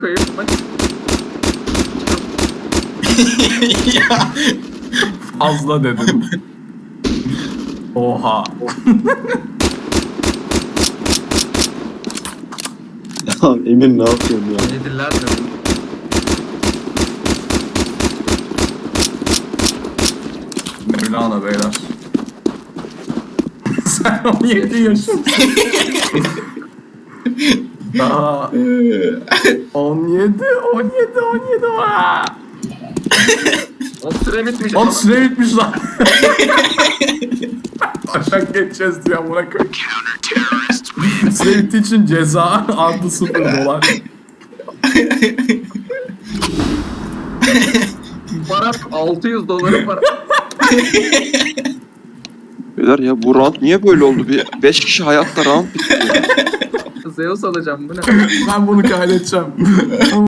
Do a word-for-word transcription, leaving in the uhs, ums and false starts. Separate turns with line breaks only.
Kayıp maç.
Ya.
Fazla dedim. Oha.
Ya Emir ne yapıyorsun ya?
Yediler dedim.
Mevlana beyler. Sen on yedi yaşındasın. Daha on yedi, on yedi, on yedi. Aa!
O süre bitmiş.
Lan süre bitmiş lan. Aşağı geçeceğiz diye amına koyayım. Süre bittiği için ceza artı sıfır dolar.
Para altı yüz doları para.
Beyler ya bu round niye böyle oldu? Bir beş kişi hayatta round bitti ya.
Zeus alacağım bu ne?
Ben bunu kaydedeceğim.